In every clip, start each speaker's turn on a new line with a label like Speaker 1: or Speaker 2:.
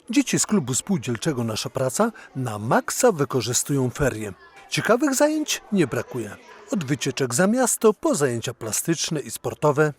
Speaker 1: Dzieci z klubu spółdzielczego Nasza Praca na maksa wykorzystują ferie. Ciekawych zajęć nie brakuje. Od wycieczek za miasto po zajęcia plastyczne i sportowe,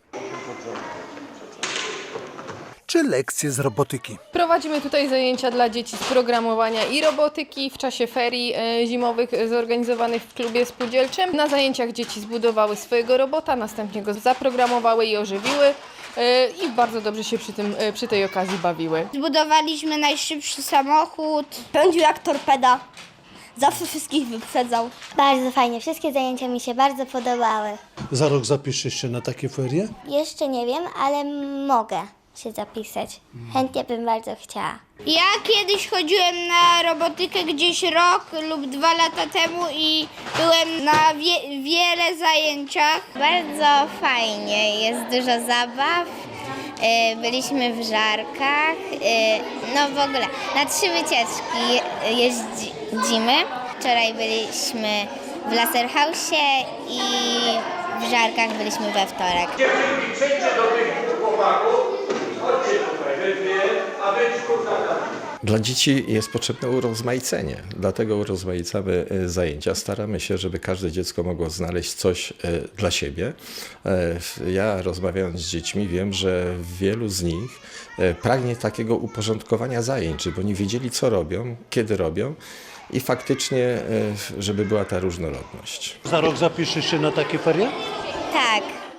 Speaker 1: czy lekcje z robotyki.
Speaker 2: Prowadzimy tutaj zajęcia dla dzieci z programowania i robotyki w czasie ferii zimowych zorganizowanych w klubie spółdzielczym. Na zajęciach dzieci zbudowały swojego robota, następnie go zaprogramowały i ożywiły i bardzo dobrze się przy tej okazji bawiły.
Speaker 3: Zbudowaliśmy najszybszy samochód. Pędził jak torpeda. Zawsze wszystkich wyprzedzał.
Speaker 4: Bardzo fajnie, wszystkie zajęcia mi się bardzo podobały.
Speaker 1: Za rok zapiszesz się na takie ferie?
Speaker 4: Jeszcze nie wiem, ale mogę się zapisać. Chętnie bym bardzo chciała.
Speaker 3: Ja kiedyś chodziłem na robotykę gdzieś rok lub 2 lata temu i byłem na wiele zajęciach.
Speaker 5: Bardzo fajnie, jest dużo zabaw, byliśmy w Żarkach, no w ogóle na 3 wycieczki jeździmy. Wczoraj byliśmy w Laserhausie i w Żarkach byliśmy we wtorek.
Speaker 6: Przejdźcie do tych chłopaków, chodźcie tutaj, wy dwie, a wy
Speaker 7: Dla dzieci jest potrzebne urozmaicenie, dlatego urozmaicamy zajęcia. Staramy się, żeby każde dziecko mogło znaleźć coś dla siebie. Ja rozmawiając z dziećmi wiem, że wielu z nich pragnie takiego uporządkowania zajęć, żeby oni wiedzieli, co robią, kiedy robią i faktycznie, żeby była ta różnorodność.
Speaker 1: Za rok zapiszesz się na takie ferie?
Speaker 5: Tak.